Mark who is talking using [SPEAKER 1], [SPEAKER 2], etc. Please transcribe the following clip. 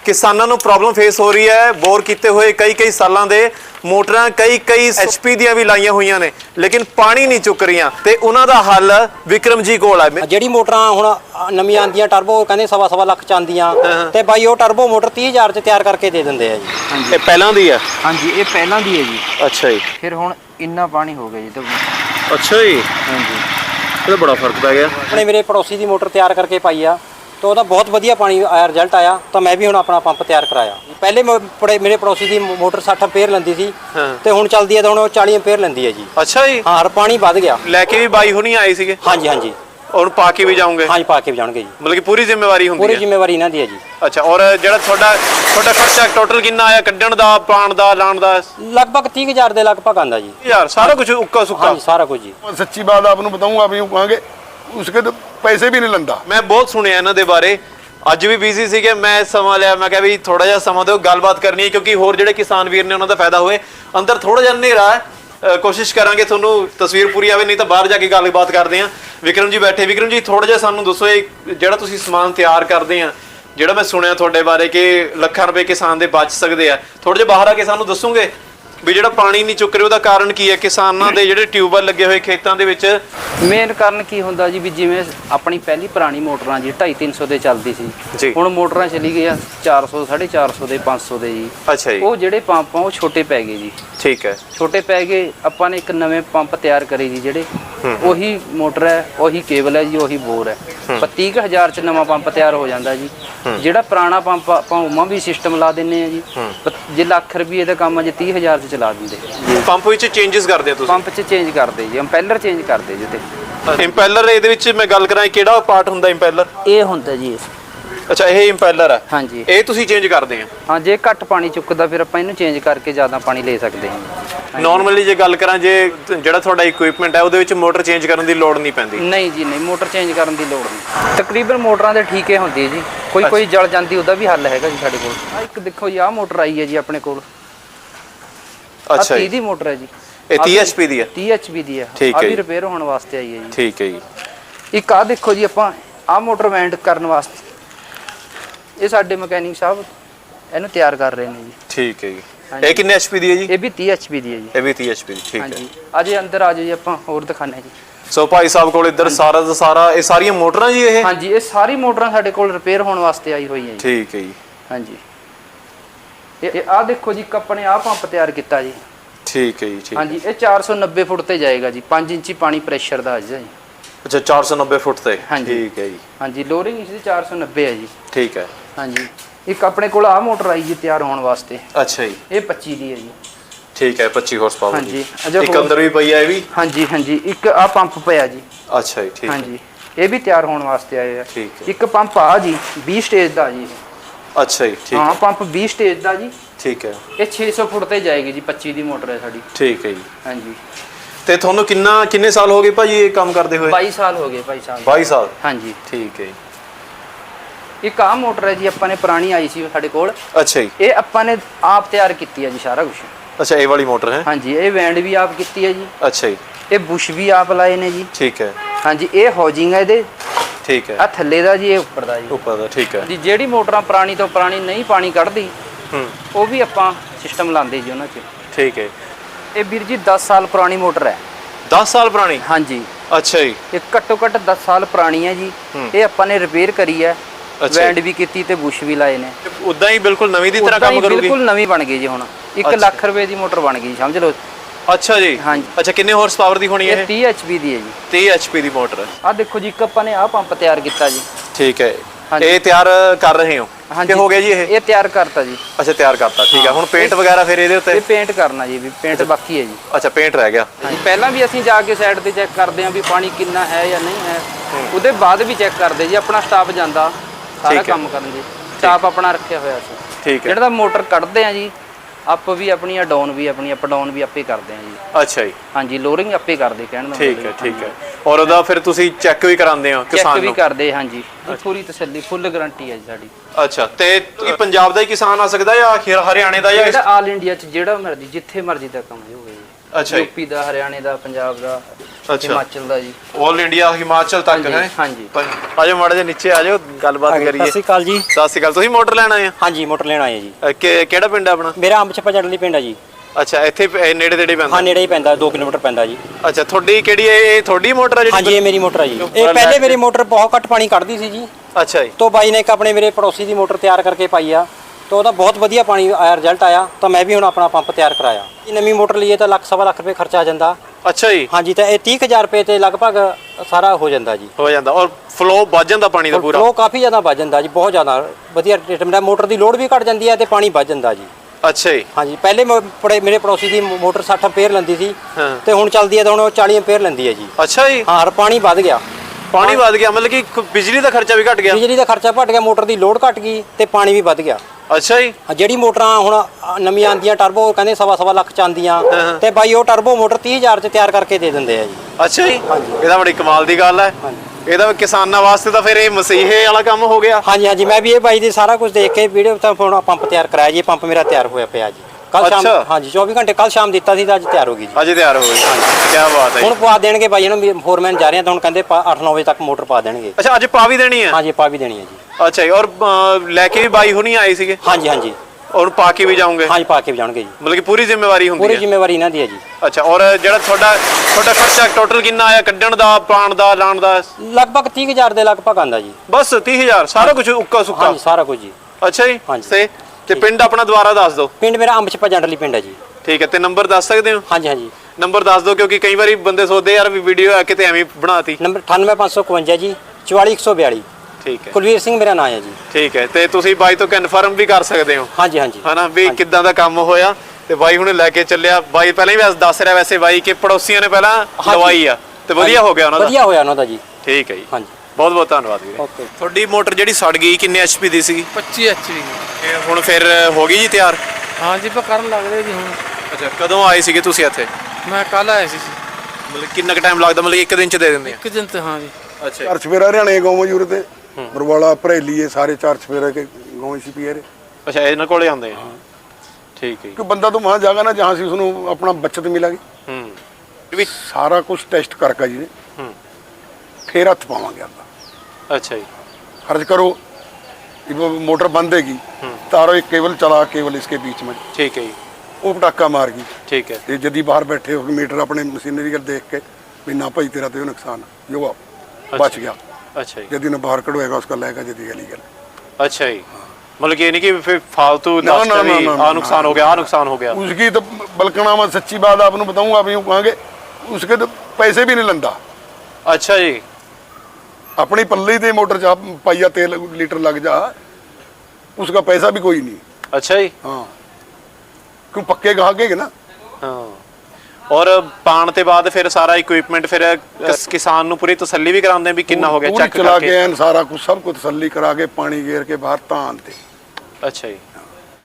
[SPEAKER 1] किसानों ਨੂੰ problem face हो रही है। बोर किए हुए कई सालों के मोटर कई HP ਦੀਆਂ ਵੀ ਲਾਈਆਂ ਹੋਈਆਂ ਨੇ लेकिन पानी नहीं चुक रही ਤੇ ਉਹਨਾਂ ਦਾ ਹੱਲ ਵਿਕਰਮ ਜੀ ਕੋਲ ਹੈ।
[SPEAKER 2] ਜਿਹੜੀ ਮੋਟਰਾਂ ਹੁਣ ਨਵੀਆਂ ਆਂਦੀਆਂ ਟਰਬੋ ਕਹਿੰਦੇ ਸਵਾ ਲੱਖ ਚ ਆਂਦੀਆਂ ਤੇ ਬਾਈ ਉਹ ਟਰਬੋ ਮੋਟਰ 30000 ਚ ਤਿਆਰ ਕਰਕੇ ਦੇ ਦਿੰਦੇ ਆ ਜੀ।
[SPEAKER 1] ਹਾਂਜੀ ਇਹ ਪਹਿਲਾਂ ਦੀ ਹੈ।
[SPEAKER 3] ਹਾਂਜੀ ਇਹ ਪਹਿਲਾਂ ਦੀ ਹੈ ਜੀ।
[SPEAKER 1] ਅੱਛਾ ਜੀ।
[SPEAKER 3] ਫਿਰ ਹੁਣ ਇੰਨਾ ਪਾਣੀ ਹੋ ਗਿਆ ਜੀ ਤੇ
[SPEAKER 1] ਅੱਛਾ ਜੀ।
[SPEAKER 3] ਹਾਂਜੀ
[SPEAKER 1] ਇਹਦਾ ਬੜਾ ਫਰਕ ਪੈ ਗਿਆ।
[SPEAKER 2] ਆਪਣੇ ਮੇਰੇ ਪੜੋਸੀ ਦੀ ਮੋਟਰ ਤਿਆਰ ਕਰਕੇ ਪਾਈ ਆ तो ਉਹਦਾ ਬਹੁਤ ਵਧੀਆ ਪਾਣੀ ਆਇਆ ਰਿਜ਼ਲਟ ਆਇਆ ਤਾਂ ਮੈਂ ਵੀ ਹੁਣ ਆਪਣਾ ਪੰਪ ਤਿਆਰ ਕਰਾਇਆ। ਪਹਿਲੇ ਮੇਰੇ ਪੜੋਸੀ ਦੀ ਮੋਟਰ 60 ਐਂਪੀਅਰ ਲੈਂਦੀ ਸੀ ਤੇ ਹੁਣ ਚੱਲਦੀ ਹੈ ਤਾਂ ਹੁਣ 40 ਐਂਪੀਅਰ ਲੈਂਦੀ ਹੈ ਜੀ।
[SPEAKER 1] ਅੱਛਾ ਜੀ।
[SPEAKER 2] ਹਾਂ ਪਾਣੀ ਵੱਧ ਗਿਆ।
[SPEAKER 1] ਲੈ ਕੇ ਵੀ ਬਾਈ ਹੁਣੀ ਆਏ ਸੀਗੇ।
[SPEAKER 2] ਹਾਂਜੀ ਹਾਂਜੀ
[SPEAKER 1] ਹੁਣ ਪਾ ਕੇ ਵੀ ਜਾਓਗੇ।
[SPEAKER 2] ਹਾਂਜੀ ਪਾ ਕੇ ਵੀ ਜਾਣਗੇ ਜੀ।
[SPEAKER 1] ਮਤਲਬ ਕਿ ਪੂਰੀ ਜ਼ਿੰਮੇਵਾਰੀ ਹੁੰਦੀ ਹੈ।
[SPEAKER 2] ਪੂਰੀ ਜ਼ਿੰਮੇਵਾਰੀ ਇਹਨਾਂ ਦੀ ਹੈ ਜੀ।
[SPEAKER 1] ਅੱਛਾ ਔਰ ਜਿਹੜਾ ਤੁਹਾਡਾ ਖਰਚਾ ਟੋਟਲ ਕਿੰਨਾ ਆਇਆ ਕੱਢਣ ਦਾ ਪਾਣ ਦਾ ਲਾਣ ਦਾ?
[SPEAKER 2] ਲਗਭਗ 30000 ਦੇ ਲਗਭਗ ਆਂਦਾ ਜੀ।
[SPEAKER 1] ਯਾਰ ਸਾਰਾ ਕੁਝ ਉੱਕਾ ਸੁੱਕਾ।
[SPEAKER 2] ਹਾਂਜੀ ਸਾਰਾ ਕੁਝ ਜੀ।
[SPEAKER 4] ਸੱਚੀ ਬਾਤ ਆਪ ਨੂੰ ਬਤਾऊंगा ਅਭੀ ਕਹਾਂਗੇ ਉਸਕੇ ਤਾਂ ਪੈਸੇ ਵੀ ਨਹੀਂ ਲੰਦਾ।
[SPEAKER 1] ਮੈਂ ਬਹੁਤ ਸੁਣਿਆ ਇਹਨਾਂ ਦੇ ਬਾਰੇ। ਅੱਜ ਵੀ ਬਿਜ਼ੀ ਸੀਗੇ ਮੈਂ ਸਮਾਂ ਲਿਆ ਮੈਂ ਕਿਹਾ ਵੀ ਥੋੜਾ ਜਿਹਾ ਸਮਾਂ ਦਿਓ ਗੱਲਬਾਤ ਕਰਨੀ ਹੈ ਕਿਉਂਕਿ ਹੋਰ ਜਿਹੜੇ ਕਿਸਾਨ ਵੀਰ ਨੇ ਉਹਨਾਂ ਦਾ ਫਾਇਦਾ ਹੋਵੇ। ਅੰਦਰ ਥੋੜਾ ਜਿਹਾ ਹਨੇਰਾ ਹੈ ਕੋਸ਼ਿਸ਼ ਕਰਾਂਗੇ ਤੁਹਾਨੂੰ ਤਸਵੀਰ ਪੂਰੀ ਆਵੇ ਨਹੀਂ ਤਾਂ ਬਾਹਰ ਜਾ ਕੇ ਗੱਲਬਾਤ ਕਰਦੇ ਆਂ। ਵਿਕਰਮ ਜੀ ਬੈਠੇ। ਵਿਕਰਮ ਜੀ ਥੋੜਾ ਜਿਹਾ ਸਾਨੂੰ ਦੱਸੋ ਇਹ ਜਿਹੜਾ ਤੁਸੀਂ ਸਮਾਨ ਤਿਆਰ ਕਰਦੇ ਆ ਜਿਹੜਾ ਮੈਂ ਸੁਣਿਆ ਤੁਹਾਡੇ ਬਾਰੇ ਕਿ ਲੱਖਾਂ ਰੁਪਏ ਕਿਸਾਨ ਦੇ ਬਚ ਸਕਦੇ ਆ ਥੋੜਾ ਜਿਹਾ ਬਾਹਰ ਆ ਕੇ ਸਾਨੂੰ ਦੱਸੋਗੇ ਵੀ ਜਿਹੜਾ ਪਾਣੀ ਨਹੀਂ ਚੁੱਕ ਰਹੇ ਉਹਦਾ ਕਾਰਨ ਕੀ ਹੈ? ਕਿਸਾਨਾਂ ਦੇ ਜਿਹੜੇ ਟਿਊਬਵੈੱਲ ਲੱਗੇ ਹੋਏ ਖੇਤਾਂ ਦੇ ਵਿੱਚ
[SPEAKER 3] ਮੇਨ ਕਾਰਨ ਕੀ ਹੁੰਦਾ ਜੀ ਵੀ ਜਿਵੇਂ ਆਪਣੀ ਪਹਿਲੀ ਪੁਰਾਣੀ ਮੋਟਰਾਂ ਜੀ 250-300 ਦੇ ਚੱਲਦੀ ਸੀ ਹੁਣ ਮੋਟਰਾਂ ਚਲੀ ਗਈਆਂ 400 450 ਦੇ 500 ਦੇ ਜੀ।
[SPEAKER 1] ਅੱਛਾ ਜੀ।
[SPEAKER 3] ਉਹ ਜਿਹੜੇ ਪੰਪ ਆ ਉਹ ਛੋਟੇ ਪੈ ਗਏ ਜੀ।
[SPEAKER 1] ਠੀਕ ਹੈ।
[SPEAKER 3] ਛੋਟੇ ਪੈ ਗਏ ਆਪਾਂ ਨੇ ਇੱਕ ਨਵੇਂ ਪੰਪ ਤਿਆਰ ਕਰੇ ਜੀ ਜਿਹੜੇ ਉਹੀ ਮੋਟਰ ਹੈ ਉਹੀ ਕੇਬਲ ਹੈ ਜੀ ਉਹੀ ਬੋਰ ਹੈ 35000 ਚ ਨਵਾਂ ਪੰਪ ਤਿਆਰ ਹੋ ਜਾਂਦਾ ਜੀ। ਜਿਹੜਾ ਪੁਰਾਣਾ ਪੰਪ ਆਪਾਂ ਉਮਾ ਵੀ ਸਿਸਟਮ ਲਾ ਦਿੰਨੇ ਆ ਜੀ। ਜੇ ਲੱਖ ਰੁਪਏ ਦਾ ਕੰਮ ਆ ਜੀ 30000 ਚ ਚਲਾ ਦਿੰਦੇ।
[SPEAKER 1] ਪੰਪ ਵਿੱਚ ਚੇਂਜਸ ਕਰਦੇ ਆ ਤੁਸੀਂ?
[SPEAKER 3] ਪੰਪ 'ਚ ਚੇਂਜ ਕਰਦੇ ਜੀ ਇੰਪੈਲਰ ਚੇਂਜ ਕਰਦੇ ਜੀ ਤੇ
[SPEAKER 1] ਇੰਪੈਲਰ ਇਹਦੇ ਵਿੱਚ ਮੈਂ ਗੱਲ ਕਰਾਂ ਕਿਹੜਾ ਪਾਰਟ ਹੁੰਦਾ ਇੰਪੈਲਰ?
[SPEAKER 3] ਇਹ ਹੁੰਦਾ ਜੀ।
[SPEAKER 1] ਅੱਛਾ ਇਹ ਇੰਪੈਲਰ ਹੈ।
[SPEAKER 3] ਹਾਂਜੀ
[SPEAKER 1] ਇਹ ਤੁਸੀਂ ਚੇਂਜ ਕਰਦੇ ਆ?
[SPEAKER 3] ਹਾਂ ਜੇ ਘੱਟ ਪਾਣੀ ਚੁੱਕਦਾ ਫਿਰ ਆਪਾਂ ਇਹਨੂੰ ਚੇਂਜ ਕਰਕੇ ਜ਼ਿਆਦਾ ਪਾਣੀ ਲੈ ਸਕਦੇ ਹਾਂ।
[SPEAKER 1] ਨਾਰਮਲੀ ਜੇ ਗੱਲ ਕਰਾਂ ਜੇ ਜਿਹੜਾ ਤੁਹਾਡਾ ਇਕਵਿਪਮੈਂਟ ਹੈ ਉਹਦੇ ਵਿੱਚ ਮੋਟਰ ਚੇਂਜ ਕਰਨ ਦੀ ਲੋੜ ਨਹੀਂ ਪੈਂਦੀ?
[SPEAKER 3] ਨਹੀਂ ਜੀ ਨਹੀਂ ਮੋਟਰ ਚੇਂਜ ਕਰਨ ਦੀ ਲੋੜ ਨਹੀਂ। ਤਕਰੀਬਨ ਮੋਟਰਾਂ ਦੇ ਠੀਕੇ ਹੁੰਦੀ ਹੈ ਜੀ। ਕੋਈ ਜਲ ਜਾਂਦੀ ਉਹਦਾ ਵੀ ਹੱਲ ਹੈਗਾ ਜੀ ਸਾਡੇ ਕੋਲ। ਆਹ ਇੱਕ ਦੇਖੋ ਜੀ ਆਹ ਮੋਟਰ ਆਈ ਹੈ ਜੀ ਆਪਣੇ ਕੋਲ।
[SPEAKER 1] ਅੱਛਾ ਜੀ।
[SPEAKER 3] 30 ਦੀ ਮੋਟਰ ਹੈ ਜੀ।
[SPEAKER 1] ਇਹ 30 HP ਦੀ ਹੈ?
[SPEAKER 3] 30 HP ਦੀ ਹੈ।
[SPEAKER 1] ਠੀਕ
[SPEAKER 3] ਆ
[SPEAKER 1] ਹੈ
[SPEAKER 3] ਵੀ
[SPEAKER 1] ਜੀ।
[SPEAKER 3] ਰਿਪੇਅਰ ਹੋਣ ਵਾਸਤੇ ਆਈ ਹੈ ਜੀ।
[SPEAKER 1] ਠੀਕ ਹੈ ਜੀ।
[SPEAKER 3] ਇੱਕ ਆਹ ਦੇਖੋ ਜੀ ਆਪਾਂ ਆਹ ਮੋਟਰ ਵੈਂਡ ਕਰਨ ਵਾਸਤੇ ਇਹ ਸਾਡੇ ਮਕੈਨਿਕ ਸਾਹਿਬ ਇਹਨੂੰ ਤਿਆਰ ਕਰ ਰਹੇ ਨੇ ਜੀ।
[SPEAKER 1] ਠੀਕ ਹੈ ਜੀ। ਇਹ ਕਿੰਨੇ HP ਦੀ ਹੈ ਜੀ?
[SPEAKER 3] ਇਹ ਵੀ 30 HP ਦੀ ਹੈ ਜੀ।
[SPEAKER 1] ਇਹ ਵੀ 30 HP ਦੀ। ਠੀਕ ਹੈ।
[SPEAKER 3] ਹਾਂਜੀ ਅਜੇ ਅੰਦਰ ਆ ਜਾਓ ਜੀ ਆਪਾਂ ਹੋਰ ਦਿਖਾਣੇ ਜੀ।
[SPEAKER 1] ਸੋ ਭਾਈ ਸਾਹਿਬ ਕੋਲ ਇੱਧਰ ਸਾਰਾ ਦਾ ਸਾਰਾ ਇਹ ਸਾਰੀਆਂ ਮੋਟਰਾਂ ਜੀ ਇਹ?
[SPEAKER 3] ਹਾਂਜੀ ਇਹ ਸਾਰੀ ਮੋਟਰਾਂ ਸਾਡੇ ਕੋਲ ਰਿਪੇਅਰ ਹੋਣ ਵਾਸਤੇ ਆਈ ਹੋਈ ਹੈ ਜੀ।
[SPEAKER 1] ਠੀਕ ਹੈ ਜੀ।
[SPEAKER 3] ਹਾਂਜੀ ਇਹ ਆਹ ਦੇਖੋ ਜੀ ਆਪਣੇ ਆਹ ਪੰਪ ਤਿਆਰ ਕੀਤਾ ਜੀ।
[SPEAKER 1] ਠੀਕ ਹੈ ਜੀ। ਠੀਕ।
[SPEAKER 3] ਹਾਂਜੀ ਇਹ 490 ਫੁੱਟ ਤੇ ਜਾਏਗਾ ਜੀ। 5 ਇੰਚੀ ਪਾਣੀ ਪ੍ਰੈਸ਼ਰ ਦਾ ਆ ਜੀ।
[SPEAKER 1] ਅੱਛਾ 490 ਫੁੱਟ ਤੇ।
[SPEAKER 3] ਹਾਂਜੀ।
[SPEAKER 1] ਠੀਕ ਹੈ ਜੀ।
[SPEAKER 3] ਹਾਂਜੀ ਲੋਰਿੰਗ ਇਸ ਦੀ 490 ਹੈ ਜੀ।
[SPEAKER 1] ਠੀਕ ਹੈ।
[SPEAKER 3] ਹਾਂਜੀ ਇੱਕ ਆਪਣੇ ਕੋਲ ਆਹ ਮੋਟਰ ਆਈ ਜੀ ਤਿਆਰ ਹੋਣ ਵਾਸਤੇ।
[SPEAKER 1] ਅੱਛਾ ਜੀ।
[SPEAKER 3] ਇਹ 25 ਦੀ ਹੈ ਜੀ।
[SPEAKER 1] ਠੀਕ ਹੈ 25 ਹਾਰਸ ਪਾਵਰ।
[SPEAKER 3] ਹਾਂਜੀ
[SPEAKER 1] ਇੱਕ ਅੰਦਰ ਵੀ ਪਈ ਹੈ ਇਹ ਵੀ?
[SPEAKER 3] ਹਾਂਜੀ ਹਾਂਜੀ ਇੱਕ ਆਹ ਪੰਪ ਪਿਆ ਜੀ।
[SPEAKER 1] ਅੱਛਾ ਜੀ। ਠੀਕ ਹੈ।
[SPEAKER 3] ਹਾਂਜੀ ਇਹ ਵੀ ਤਿਆਰ ਹੋਣ ਵਾਸਤੇ ਆਏ ਆ।
[SPEAKER 1] ਠੀਕ ਹੈ।
[SPEAKER 3] ਇੱਕ ਪੰਪ ਆ ਜੀ 20 ਸਟੇਜ ਦਾ ਜੀ।
[SPEAKER 1] ਅੱਛਾ ਜੀ। ਠੀਕ
[SPEAKER 3] ਹਾਂ
[SPEAKER 1] ਹੈ।
[SPEAKER 3] ਪੰਪ 20 ਸਟੇਜ ਦਾ ਜੀ।
[SPEAKER 1] ਠੀਕ ਹੈ।
[SPEAKER 3] ਇਹ 600 ਫੁੱਟ ਤੇ ਜਾਏਗੀ ਜੀ। 25 ਦੀ ਮੋਟਰ ਹੈ ਸਾਡੀ।
[SPEAKER 1] ਠੀਕ ਹੈ ਜੀ।
[SPEAKER 3] ਹਾਂਜੀ
[SPEAKER 1] ਤੇ ਤੁਹਾਨੂੰ ਕਿੰਨੇ ਸਾਲ ਹੋ ਗਏ ਭਾਜੀ ਇਹ ਕੰਮ ਕਰਦੇ ਹੋਏ?
[SPEAKER 3] 22 ਸਾਲ ਹੋ ਗਏ ਭਾਈ ਸਾਹਿਬ।
[SPEAKER 1] 22 ਸਾਲ?
[SPEAKER 3] ਹਾਂਜੀ
[SPEAKER 1] ਠੀਕ ਹੈ ਜੀ।
[SPEAKER 3] ਇੱਕ ਆਹ ਮੋਟਰ ਹੈ ਜੀ ਆਪਾਂ ਨੇ ਪੁਰਾਣੀ ਆਈ ਸੀ ਸਾਡੇ ਕੋਲ।
[SPEAKER 1] ਅੱਛਾ ਜੀ।
[SPEAKER 3] ਇਹ ਆਪਾਂ ਨੇ ਆਪ ਤਿਆਰ ਕੀਤੀ ਹੈ ਜੀ ਸਾਰਾ ਕੁਝ।
[SPEAKER 1] ਅੱਛਾ ਇਹ ਵਾਲੀ ਮੋਟਰ ਹੈ?
[SPEAKER 3] ਹਾਂਜੀ ਇਹ ਵੈਂਡ ਵੀ ਆਪ ਕੀਤੀ ਹੈ ਜੀ।
[SPEAKER 1] ਅੱਛਾ ਜੀ।
[SPEAKER 3] ਇਹ ਬੁਸ਼ ਵੀ ਆਪ ਲਾਏ ਨੇ ਜੀ।
[SPEAKER 1] ਠੀਕ ਹੈ।
[SPEAKER 3] ਹਾਂਜੀ ਇਹ ਹਾਊਸਿੰਗ ਹੈ ਇਹਦੇ।
[SPEAKER 1] ਠੀਕ ਹੈ।
[SPEAKER 3] ਆ ਥੱਲੇ ਦਾ ਜੀ ਇਹ ਉੱਪਰ ਦਾ ਜੀ।
[SPEAKER 1] ਉੱਪਰ ਦਾ। ਠੀਕ ਹੈ
[SPEAKER 3] ਜੀ ਜਿਹੜੀ ਮੋਟਰਾਂ ਪੁਰਾਣੀ ਤੋਂ ਪੁਰਾਣੀ ਨਹੀਂ ਪਾਣੀ ਕੱਢਦੀ ਉਹ ਵੀ ਆਪਾਂ ਸਿਸਟਮ ਲਾਉਂਦੇ ਜੀ ਉਹਨਾਂ 'ਚ।
[SPEAKER 1] ਠੀਕ ਹੈ।
[SPEAKER 3] ਇਹ ਵੀਰ ਜੀ 10 ਸਾਲ ਪੁਰਾਣੀ ਮੋਟਰ ਹੈ।
[SPEAKER 1] 10 ਸਾਲ ਪੁਰਾਣੀ?
[SPEAKER 3] ਹਾਂਜੀ।
[SPEAKER 1] ਅੱਛਾ ਜੀ।
[SPEAKER 3] ਇਹ ਘੱਟੋ ਘੱਟ 10 ਸਾਲ ਪੁਰਾਣੀ ਹੈ ਜੀ। ਇਹ ਆਪਾਂ ਨੇ ਰਿਪੇਅਰ ਕਰੀ ਹੈ। ਵੈਂਡ ਵੀ ਕੀਤੀ ਤੇ ਬੁਸ਼ ਵੀ ਲਾਏ ਨੇ।
[SPEAKER 1] ਉਦਾਂ ਹੀ ਬਿਲਕੁਲ ਨਵੀਂ ਦੀ ਤਰ੍ਹਾਂ ਕੰਮ ਕਰੂਗੀ?
[SPEAKER 3] ਬਿਲਕੁਲ ਨਵੀਂ ਬਣ ਗਈ ਜੀ ਹੁਣ 1 ਲੱਖ ਰੁਪਏ ਦੀ ਮੋਟਰ ਬਣ ਗਈ ਸਮਝ ਲਓ।
[SPEAKER 1] ਅੱਛਾ ਜੀ।
[SPEAKER 3] ਹਾਂਜੀ।
[SPEAKER 1] ਅੱਛਾ ਕਿੰਨੇ ਹਾਰਸ ਪਾਵਰ ਦੀ ਹੋਣੀ ਹੈ
[SPEAKER 3] ਇਹ 30 HP ਦੀ ਹੈ ਜੀ।
[SPEAKER 1] 30 HP ਦੀ ਮੋਟਰ ਹੈ।
[SPEAKER 3] ਆਹ ਦੇਖੋ ਜੀ ਇੱਕ ਆਪਾਂ ਨੇ ਆਹ ਪੰਪ ਤਿਆਰ ਕੀਤਾ ਜੀ।
[SPEAKER 1] ਠੀਕ ਹੈ।
[SPEAKER 3] ਹਾਂਜੀ।
[SPEAKER 1] ਇਹ ਤਿਆਰ ਕਰ ਰਹੇ ਹੋ ਕਿ ਹੋ ਗਿਆ ਜੀ ਇਹ?
[SPEAKER 3] ਇਹ ਤਿਆਰ ਕਰਤਾ ਜੀ।
[SPEAKER 1] ਅੱਛਾ ਤਿਆਰ ਕਰਤਾ। ਠੀਕ ਹੈ। ਹੁਣ ਪੇਂਟ ਵਗੈਰਾ ਫਿਰ ਇਹਦੇ ਉੱਤੇ?
[SPEAKER 3] ਇਹ ਪੇਂਟ ਕਰਨਾ ਜੀ ਵੀ ਪੇਂਟ ਬਾਕੀ ਹੈ ਜੀ।
[SPEAKER 1] ਅੱਛਾ ਪੇਂਟ ਰਹਿ ਗਿਆ।
[SPEAKER 3] ਹਾਂਜੀ ਪਹਿਲਾਂ ਵੀ ਅਸੀਂ ਜਾ ਕੇ ਸਾਈਡ ਤੇ ਚੈੱਕ ਕਰਦੇ ਹਾਂ ਵੀ ਪਾਣੀ ਕਿੰਨਾ ਹੈ ਜਾਂ ਨਹੀਂ ਹੈ। ਉਹਦੇ ਬਾਅਦ ਵੀ ਚੈੱਕ ਕਰਦੇ ਜੀ। ਆਪਣਾ ਸਟਾਫ ਜਾਂਦਾ ਸਾਰਾ ਕੰਮ ਕਰਨ ਜੀ। ਸਟਾਫ ਆਪਣਾ ਰੱਖਿਆ ਹੋਇਆ ਸੀ।
[SPEAKER 1] ਠੀਕ ਹੈ।
[SPEAKER 3] ਜਿਹੜਾ ਮੋਟਰ ਕੱਢਦੇ ਆ ਜੀ ਅਪ ਵੀ ਆਪਣੀ ਡਾਊਨ ਵੀ ਆਪਣੀ ਅਪ ਡਾਊਨ ਵੀ ਆਪੇ ਕਰਦੇ ਆ ਜੀ।
[SPEAKER 1] ਅੱਛਾ ਜੀ।
[SPEAKER 3] ਹਾਂਜੀ ਲੋਰਿੰਗ ਆਪੇ ਕਰਦੇ ਕਹਿਣ ਦਾ
[SPEAKER 1] ਠੀਕ ਹੈ। ਠੀਕ ਹੈ। ਔਰ ਉਹਦਾ ਫਿਰ ਤੁਸੀਂ ਚੈੱਕ ਵੀ ਕਰਾਉਂਦੇ ਹੋ ਕਿਸਾਨ ਨੂੰ?
[SPEAKER 3] ਚੈੱਕ ਵੀ ਕਰਦੇ ਹਾਂਜੀ। ਪੂਰੀ ਤਸੱਲੀ ਫੁੱਲ ਗਾਰੰਟੀ ਹੈ ਜੀ ਸਾਡੀ।
[SPEAKER 1] ਅੱਛਾ ਤੇ ਪੰਜਾਬ ਦਾ ਹੀ ਕਿਸਾਨ ਆ ਸਕਦਾ ਜਾਂ ਹਰਿਆਣੇ ਦਾ ਜਾਂ?
[SPEAKER 3] ਜਿਹੜਾ ਆਲ ਇੰਡੀਆ ਚ ਜਿਹੜਾ ਮਰਜ਼ੀ ਜਿੱਥੇ ਮਰਜ਼ੀ ਦਾ ਕੰਮ ਹੋਵੇ ਜੀ।
[SPEAKER 1] ਅੱਛਾ
[SPEAKER 3] ਯੂਪੀ ਦਾ ਹਰਿਆਣੇ ਦਾ ਪੰਜਾਬ ਦਾ
[SPEAKER 1] ਅੱਛਾ।
[SPEAKER 3] ਹਿਮਾਚਲ ਦਾ ਜੀ।
[SPEAKER 1] ਆਲ ਇੰਡੀਆ ਹਿਮਾਚਲ ਤੱਕ ਹੈ।
[SPEAKER 3] ਹਾਂਜੀ।
[SPEAKER 1] ਆਜੋ ਮਾੜੇ ਜਿਹੇ ਨੀਚੇ ਆਜੋ, ਗੱਲਬਾਤ ਕਰੀਏ।
[SPEAKER 2] ਸਤਿ ਸ਼੍ਰੀ ਅਕਾਲ ਜੀ।
[SPEAKER 1] ਸਤਿ ਸ਼੍ਰੀ ਅਕਾਲ। ਤੁਸੀਂ ਮੋਟਰ ਲੈਣ ਆਏ ਆ?
[SPEAKER 2] ਹਾਂਜੀ ਮੋਟਰ ਲੈਣ ਆਏ ਜੀ।
[SPEAKER 1] ਕਿਹੜਾ ਪਿੰਡ ਹੈ ਆਪਣਾ?
[SPEAKER 2] ਮੇਰਾ ਅੰਬ ਛੱਪਾ ਜੜਲੀ ਪਿੰਡ ਆ ਜੀ।
[SPEAKER 1] ਅੱਛਾ, ਇੱਥੇ ਨੇੜੇ ਤੇੜੇ ਪੈਂਦਾ?
[SPEAKER 2] ਹਾਂ ਨੇੜੇ ਹੀ ਪੈਂਦਾ, 2 ਕਿਲੋਮੀਟਰ ਪੈਂਦਾ ਜੀ।
[SPEAKER 1] ਅੱਛਾ, ਤੁਹਾਡੀ ਕਿਹੜੀ ਹੈ? ਇਹ ਤੁਹਾਡੀ ਮੋਟਰ ਹੈ ਜਿਹੜੀ?
[SPEAKER 2] ਹਾਂਜੀ ਇਹ ਮੇਰੀ ਮੋਟਰ ਆ ਜੀ। ਇਹ ਪਹਿਲੇ ਮੇਰੀ ਮੋਟਰ ਬਹੁਤ ਘੱਟ ਪਾਣੀ ਕੱਢਦੀ ਸੀ ਜੀ।
[SPEAKER 1] ਅੱਛਾ ਜੀ।
[SPEAKER 2] ਤੋਂ ਬਾਈ ਨੇ ਇੱਕ ਆਪਣੇ ਮੇਰੇ ਪੜੋਸੀ ਦੀ ਮੋਟਰ ਤਿਆਰ ਕਰਕੇ ਪਾਈ ਆ, ਤਾਂ ਉਹਦਾ ਬਹੁਤ ਵਧੀਆ ਪਾਣੀ ਆਇਆ, ਰਿਜ਼ਲਟ ਆਇਆ, ਤਾਂ ਮੈਂ ਵੀ ਹੁਣ ਆਪਣਾ ਪੰਪ ਤਿਆਰ ਕਰਾਇਆ। ਇਹ ਨਵੀਂ ਮੋਟਰ ਲਈਏ ਤਾਂ ਲੱਖ ਸਵਾ ਲੱਖ ਰੁਪਏ ਖਰਚਾ ਆ ਜਾਂਦਾ।
[SPEAKER 1] ਅੱਛਾ ਜੀ।
[SPEAKER 2] ਹਾਂਜੀ, ਤਾਂ ਇਹ 30,000 ਰੁਪਏ ਤੇ ਲਗਭਗ ਸਾਰਾ ਹੋ ਜਾਂਦਾ ਜੀ।
[SPEAKER 1] ਹੋ ਜਾਂਦਾ, ਔਰ ਫਲੋ ਵੱਜ ਜਾਂਦਾ ਪਾਣੀ ਦਾ ਪੂਰਾ?
[SPEAKER 2] ਫਲੋ ਕਾਫੀ ਜ਼ਿਆਦਾ ਵੱਜ ਜਾਂਦਾ ਜੀ, ਬਹੁਤ ਜ਼ਿਆਦਾ ਵਧੀਆ ਰਿਟਮ ਦਾ। ਮੋਟਰ ਦੀ ਲੋਡ ਵੀ ਘਟ ਜਾਂਦੀ ਹੈ ਤੇ ਪਾਣੀ ਵੱਜ ਜਾਂਦਾ ਜੀ।
[SPEAKER 1] ਅੱਛਾ ਜੀ।
[SPEAKER 2] ਹਾਂਜੀ, ਪਹਿਲੇ ਮੇਰੇ ਪੜੋਸੀ ਦੀ ਮੋਟਰ 60 ਐਂਪੀਅਰ ਲੈਂਦੀ ਸੀ, ਤੇ ਹੁਣ ਚੱਲਦੀ ਹੈ ਤਾਂ ਹੁਣ ਉਹ 40 ਐਂਪੀਅਰ ਲੈਂਦੀ ਹੈ ਜੀ।
[SPEAKER 1] ਅੱਛਾ ਜੀ।
[SPEAKER 2] ਹਾਂ, ਪਾਣੀ ਵੱਧ ਗਿਆ।
[SPEAKER 1] ਪਾਣੀ ਵੱਧ ਗਿਆ, ਮਤਲਬ ਕਿ ਬਿਜਲੀ ਦਾ ਖਰਚਾ ਵੀ ਘਟ ਗਿਆ?
[SPEAKER 2] ਬਿਜਲੀ ਦਾ ਖਰਚਾ ਘਟ ਗਿਆ, ਮੋਟਰ ਦੀ ਲੋਡ ਘਟ ਗਈ ਤੇ ਪਾਣੀ ਵੀ ਵੱਧ ਗਿਆ।
[SPEAKER 1] ਅੱਛਾ ਜੀ।
[SPEAKER 2] ਜਿਹੜੀ ਮੋਟਰਾਂ ਹੁਣ ਨਵੀਆਂ ਆਂਦੀਆਂ ਟਰਬੋ, ਕਹਿੰਦੇ ਸਵਾ ਲੱਖ ਚ ਆਉਂਦੀਆਂ, ਤੇ ਬਾਈ ਉਹ ਟਰਬੋ ਮੋਟਰ 30,000 ਚ ਤਿਆਰ ਕਰਕੇ ਦੇ ਦਿੰਦੇ ਆ ਜੀ।
[SPEAKER 1] ਅੱਛਾ ਜੀ। ਇਹਦਾ ਬੜੀ ਕਮਾਲ ਦੀ ਗੱਲ ਹੈ। ਇਹਦਾ ਕਿਸਾਨਾਂ ਵਾਸਤੇ ਤਾਂ ਫਿਰ ਇਹ ਮਸੀਹੇ ਵਾਲਾ ਕੰਮ ਹੋ ਗਿਆ।
[SPEAKER 2] ਹਾਂਜੀ ਹਾਂਜੀ, ਮੈਂ ਵੀ ਇਹ ਬਾਈ ਦੀ ਸਾਰਾ ਕੁਝ ਦੇਖ ਕੇ ਵੀਡੀਓ ਤਾਂ ਹੁਣ ਪੰਪ ਤਿਆਰ ਕਰਾਇਆ ਜੀ। ਪੰਪ ਮੇਰਾ ਤਿਆਰ ਹੋਇਆ ਪਿਆ ਜੀ। ਕੱਲ ਸ਼ਾਮ, ਹਾਂਜੀ 24 ਘੰਟੇ ਕੱਲ ਸ਼ਾਮ ਦਿੱਤਾ ਸੀ ਤਾਂ ਅੱਜ ਤਿਆਰ ਹੋ ਗਈ ਜੀ।
[SPEAKER 1] ਅੱਜ ਤਿਆਰ ਹੋ ਗਈ। ਕੀ ਬਾਤ ਹੈ।
[SPEAKER 2] ਹੁਣ ਪਾ ਦੇਣਗੇ ਬਾਈ ਇਹਨੂੰ, ਫੋਰਮੈਨ ਜਾ ਰਹੇ ਆ ਤਾਂ ਹੁਣ ਕਹਿੰਦੇ 8-9 ਵਜੇ ਤੱਕ ਮੋਟਰ ਪਾ ਦੇਣਗੇ।
[SPEAKER 1] ਅੱਛਾ, ਅੱਜ ਪਾ ਵੀ ਦੇਣੀ ਹੈ?
[SPEAKER 2] ਹਾਂਜੀ ਪਾ ਵੀ ਦੇਣੀ ਹੈ ਜੀ।
[SPEAKER 1] ਅੱਛਾ ਜੀ। ਔਰ ਲੈ ਕੇ ਵੀ ਬਾਈ ਹੁਣੀ ਆਏ ਸੀਗੇ?
[SPEAKER 2] ਹਾਂਜੀ ਹਾਂਜੀ।
[SPEAKER 1] ਔਰ ਪਾ ਕੇ ਵੀ ਜਾਓਗੇ?
[SPEAKER 2] ਹਾਂਜੀ ਪਾ ਕੇ ਵੀ ਜਾਣਗੇ ਜੀ।
[SPEAKER 1] ਮਤਲਬ ਕਿ ਪੂਰੀ ਜ਼ਿੰਮੇਵਾਰੀ ਹੁੰਦੀ ਹੈ?
[SPEAKER 2] ਪੂਰੀ ਜ਼ਿੰਮੇਵਾਰੀ ਇਹਨਾਂ ਦੀ ਹੈ ਜੀ।
[SPEAKER 1] ਅੱਛਾ, ਔਰ ਜਿਹੜਾ ਤੁਹਾਡਾ ਖਰਚਾ ਟੋਟਲ ਕਿੰਨਾ ਆਇਆ? ਕੱਢਣ ਦਾ, ਪਾਣ ਦਾ, ਲਾਣ ਦਾ?
[SPEAKER 2] ਲਗਭਗ 30,000 ਦੇ ਲਗਭਗ ਆਂਦਾ ਜੀ।
[SPEAKER 1] ਬਸ 30,000? ਸਾਰਾ ਕੁਝ ਉੱਕਾ ਸੁੱਕਾ?
[SPEAKER 2] ਹਾਂਜੀ ਸਾਰਾ ਕੁਝ ਜੀ।
[SPEAKER 1] ਅੱਛਾ ਜੀ।
[SPEAKER 2] ਹਾਂਜੀ।
[SPEAKER 1] ਸੇ ਤੇ ਪਿੰਡ ਆਪਣਾ ਦੁਬਾਰਾ ਦੱਸ ਦਿਓ।
[SPEAKER 2] ਪਿੰਡ ਮੇਰਾ ਅੰਬ ਛੱਪਾ ਜੰਡਲੀ ਪਿੰਡ ਹੈ ਜੀ।
[SPEAKER 1] ਠੀਕ ਹੈ, ਤੇ ਨੰਬਰ ਦੱਸ ਸਕਦੇ ਹੋ?
[SPEAKER 2] ਹਾਂਜੀ ਹਾਂਜੀ।
[SPEAKER 1] ਨੰਬਰ ਦੱਸ ਦਿਓ, ਕਿਉਂਕਿ ਕਈ ਵਾਰੀ ਬੰਦੇ ਸੋਚਦੇ ਯਾਰ ਵੀ ਵੀਡੀਓ ਆ ਕਿਤੇ ਐਵੇਂ ਬਣਾਤੀ।
[SPEAKER 2] ਨੰਬਰ 98552 ਜੀ 44142।
[SPEAKER 1] ਠੀਕ ਹੈ।
[SPEAKER 2] ਕੁਲਵੀਰ ਸਿੰਘ ਮੇਰਾ ਨਾਮ ਹੈ ਜੀ।
[SPEAKER 1] ਠੀਕ ਹੈ, ਤੇ ਤੁਸੀਂ ਬਾਈ ਤੋਂ ਕਨਫਰਮ ਵੀ ਕਰ ਸਕਦੇ ਹੋ?
[SPEAKER 2] ਹਾਂਜੀ ਹਾਂਜੀ।
[SPEAKER 1] ਹਨਾ ਵੀ ਕਿੱਦਾਂ ਦਾ ਕੰਮ ਹੋਇਆ, ਤੇ ਬਾਈ ਹੁਣ ਲੈ ਕੇ ਚੱਲਿਆ। ਬਾਈ ਪਹਿਲਾਂ ਹੀ ਵੈਸੇ ਦੱਸ ਰਿਹਾ ਵੈਸੇ ਬਾਈ ਕਿ ਪੜੋਸੀਆਂ ਨੇ ਪਹਿਲਾਂ ਲਵਾਈ ਆ ਤੇ ਵਧੀਆ ਹੋ ਗਿਆ ਉਹਨਾਂ ਦਾ?
[SPEAKER 2] ਵਧੀਆ ਹੋਇਆ ਉਹਨਾਂ ਦਾ ਜੀ।
[SPEAKER 1] ਠੀਕ ਹੈ ਜੀ।
[SPEAKER 2] ਹਾਂਜੀ
[SPEAKER 1] ਬਹੁਤ ਬਹੁਤ ਧੰਨਵਾਦ ਵੀਰੇ।
[SPEAKER 2] ਓਕੇ।
[SPEAKER 1] ਤੁਹਾਡੀ ਮੋਟਰ ਜਿਹੜੀ ਸੜ ਗਈ ਕਿੰਨੇ ਐਚਪੀ ਦੀ ਸੀਗੀ?
[SPEAKER 5] 25 HP।
[SPEAKER 1] ਇਹ ਹੁਣ ਫਿਰ ਹੋ ਗਈ ਜੀ ਤਿਆਰ?
[SPEAKER 5] ਹਾਂ ਜੀ, ਪਰ ਕਰਨ ਲੱਗ ਰਹੇ ਜੀ ਹੁਣ।
[SPEAKER 1] ਅੱਛਾ, ਕਦੋਂ ਆਏ ਸੀਗੇ ਤੁਸੀਂ ਇੱਥੇ?
[SPEAKER 5] ਮੈਂ ਕੱਲ ਆਇਆ ਸੀ।
[SPEAKER 1] ਮਤਲਬ ਕਿੰਨਾ ਕੁ ਟਾਈਮ ਲੱਗਦਾ? ਮਤਲਬ ਇੱਕ ਦਿਨ ਚ ਦੇ ਦਿੰਦੇ ਆ?
[SPEAKER 5] ਇੱਕ ਦਿਨ ਤੇ ਹਾਂ ਜੀ।
[SPEAKER 1] ਅੱਛਾ
[SPEAKER 4] ਚਾਰ ਚਫੇਰਾ ਹਰਿਆਣੇ ਗਾਉਂ ਮਜੂਰ ਤੇ ਬਰਵਾਲਾ ਭਰੇਲੀ ਇਹ ਸਾਰੇ ਚਾਰ ਚਫੇਰਾ के गाँव इसी पे है।
[SPEAKER 1] ਅੱਛਾ, ਇਹਨਾਂ ਕੋਲੇ ਆਉਂਦੇ ਆ? ਠੀਕ ਹੈ ਜੀ।
[SPEAKER 4] कि बंदा तो वहाँ जाएगा ना जहाँ से उसको अपना बचत मिलेगी।
[SPEAKER 1] ਵੀ
[SPEAKER 4] सारा कुछ टेस्ट करके जी ने फिर हथ पावांगे आपका।
[SPEAKER 1] ਅੱਛਾ ਜੀ।
[SPEAKER 4] फर्ज करो कि वो मोटर बंद हैगी, तारो एक केबल चला, केबल इसके बीच में
[SPEAKER 1] ਠੀਕ ਹੈ ਜੀ।
[SPEAKER 4] वो पटाखा मार गई।
[SPEAKER 1] ਠੀਕ ਹੈ।
[SPEAKER 4] ते यदि बाहर बैठे हो मीटर अपने मशीनरी का देख के भी ना भाई तेरा तो नुकसान है, जो बच गया।
[SPEAKER 1] ਅੱਛਾ ਜੀ।
[SPEAKER 4] यदि ने बाहर कढ़वाएगा उसका लेगा, यदि गली गल।
[SPEAKER 1] ਅੱਛਾ ਜੀ। ਮਤਲਬ ਕਿ ਇਹ ਨਹੀਂ ਕਿ ਫਿਰ फालतू
[SPEAKER 4] ना,
[SPEAKER 1] ਦੱਸ
[SPEAKER 4] ना,
[SPEAKER 1] ਵੀ
[SPEAKER 4] ना, ना,
[SPEAKER 1] ਆ ਨੁਕसान हो गया, आ नुकसान हो गया।
[SPEAKER 4] उसकी तो बलकना मैं सच्ची बात आपको बताऊंगा, आप यूँ कहेंगे उसके तो पैसे भी नहीं लंदा।
[SPEAKER 1] ਅੱਛਾ ਜੀ।
[SPEAKER 4] अपनी पल्ली दे मोटर च पाइया तेल लीटर लग जा, उसका पैसा भी कोई नहीं।
[SPEAKER 1] ਅੱਛਾ ਜੀ।
[SPEAKER 4] हाँ, क्यों पक्के ग्राहक है ना।
[SPEAKER 1] ਹਾਂ। ਔਰ ਪਾਣ ਤੇ ਬਾਅਦ ਫਿਰ ਸਾਰਾ ਇਕਵਿਪਮੈਂਟ ਫਿਰ ਕਿਸਾਨ ਨੂੰ ਪੂਰੀ ਤਸੱਲੀ ਵੀ ਕਰਾਉਂਦੇ ਵੀ ਕਿੰਨਾ ਹੋ ਗਿਆ,
[SPEAKER 4] पूरी
[SPEAKER 1] ਚੈੱਕ
[SPEAKER 4] चला
[SPEAKER 1] ਕਰਕੇ?
[SPEAKER 4] के एन सारा कुछ सब कुछ तसल्ली करा के पानी घेर के बाहर तान ते।
[SPEAKER 1] ਅੱਛਾ ਜੀ।